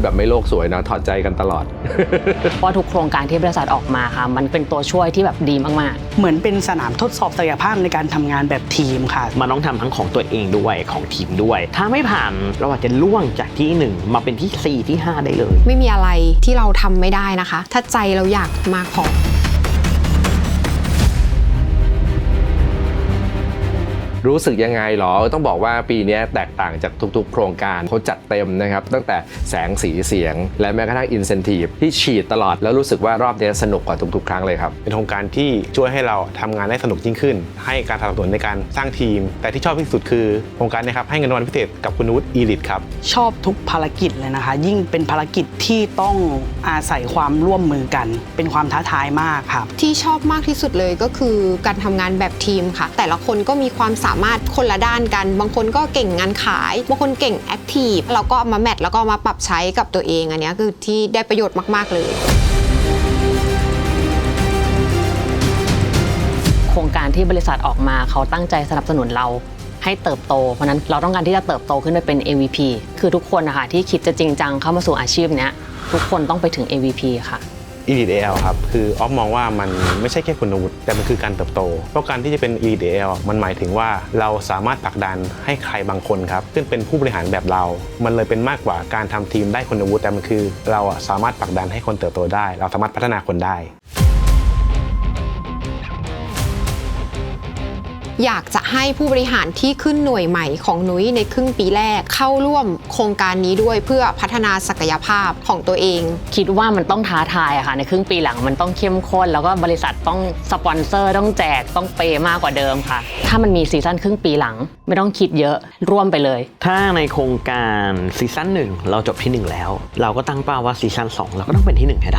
แบบไม่โลกสวยนะถอดใจกันตลอดเพราะทุกโครงการที่บริษัทออกมาค่ะมันเป็นตัวช่วยที่แบบดีมากเหมือนเป็นสนามทดสอบศักยภาพในการทำงานแบบทีมค่ะมันต้องทำทั้งของตัวเองด้วยของทีมด้วยถ้าไม่ผ่านเราอาจจะล่วงจากที่1มาเป็นที่4ที่5ได้เลยไม่มีอะไรที่เราทำไม่ได้นะคะถ้าใจเราอยากมาขอรู้สึกยังไงหรอต้องบอกว่าปีนี้แตกต่างจากทุกๆโครงการเขาจัดเต็มนะครับตั้งแต่แสงสีเสียงและแม้กระทั่งอินเซนทีฟที่ฉีดตลอดแล้วรู้สึกว่ารอบนี้สนุกกว่าทุกๆครั้งเลยครับเป็นโครงการที่ช่วยให้เราทำงานได้สนุกยิ่งขึ้นให้การสนับสนุนในการสร้างทีมแต่ที่ชอบที่สุดคือโครงการนี้ครับให้เงินรางวัลพิเศษกับคุณวุฒิอีลิทครับชอบทุกภารกิจเลยนะคะยิ่งเป็นภารกิจที่ต้องอาศัยความร่วมมือกันเป็นความท้าทายมากครับที่ชอบมากที่สุดเลยก็คือการทำงานแบบทีมค่ะแต่ละคนก็มีความสามารถคนละด้านกันบางคนก็เก่งงานขายบางคนเก่งแอคทีฟเราก็เอามาแมทแล้วก็มาปรับใช้กับตัวเองอันนี้คือที่ได้ประโยชน์มากๆเลยๆโครงการที่บริษัทออกมาเขาตั้งใจสนับสนุนเราให้เติบโตเพราะนั้นเราต้องการที่จะเติบโตขึ้นไปเป็น AVP คือทุกคนนะคะที่คิดจะจริงจังเข้ามาสู่อาชีพเนี้ยทุกคนต้องไปถึง AVP ค่ะ Elite AL ครับคือออฟมองว่ามันไม่ใช่แค่คุณวุฒิแต่มันคือการเติบโตเพราะการที่จะเป็น Elite AL มันหมายถึงว่าเราสามารถผลักดันให้ใครบางคนครับซึ่งเป็นผู้บริหารแบบเรามันเลยเป็นมากกว่าการทำทีมได้คุณวุฒิแต่มันคือเราสามารถผลักดันให้คนเติบโตได้เราสามารถพัฒนาคนได้อยากจะให้ผู้บริหารที่ขึ้นหน่วยใหม่ของนุ้ยในครึ่งปีแรกเข้าร่วมโครงการนี้ด้วยเพื่อพัฒนาศักยภาพของตัวเองคิดว่ามันต้องท้าทายอะค่ะในครึ่งปีหลังมันต้องเข้มข้นแล้วก็บริษัทต้องสปอนเซอร์ต้องแจกต้องเปย์มากกว่าเดิมค่ะถ้ามันมีซีซั่นครึ่งปีหลังไม่ต้องคิดเยอะร่วมไปเลยถ้าในโครงการซีซั่น1เราจบที่1แล้วเราก็ตั้งเป้าว่าซีซั่น2เราก็ต้องเป็นที่1ให้ได้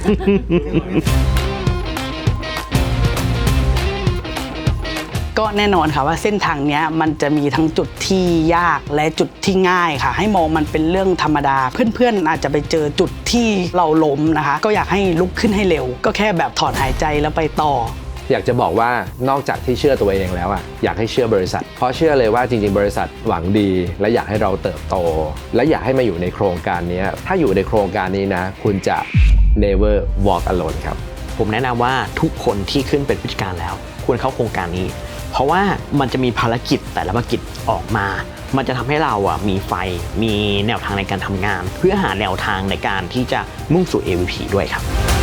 ก็แน่นอนค่ะว่าเส้นทางนี้มันจะมีทั้งจุดที่ยากและจุดที่ง่ายค่ะให้มองมันเป็นเรื่องธรรมดาเพื่อนๆอาจจะไปเจอจุดที่เราล้มนะคะก็อยากให้ลุกขึ้นให้เร็วก็แค่แบบถอนหายใจแล้วไปต่ออยากจะบอกว่านอกจากที่เชื่อตัวเองแล้วอ่ะอยากให้เชื่อบริษัทเพราะเชื่อเลยว่าจริงๆบริษัทหวังดีและอยากให้เราเติบโตและอยากให้มาอยู่ในโครงการนี้ถ้าอยู่ในโครงการนี้นะคุณจะ never walk alone ครับผมแนะนำว่าทุกคนที่ขึ้นเป็นผู้จัดการแล้วควรเข้าโครงการนี้เพราะว่ามันจะมีภารกิจแต่ละภารกิจออกมามันจะทำให้เรามีไฟมีแนวทางในการทำงานเพื่อหาแนวทางในการที่จะมุ่งสู่ AVP ด้วยครับ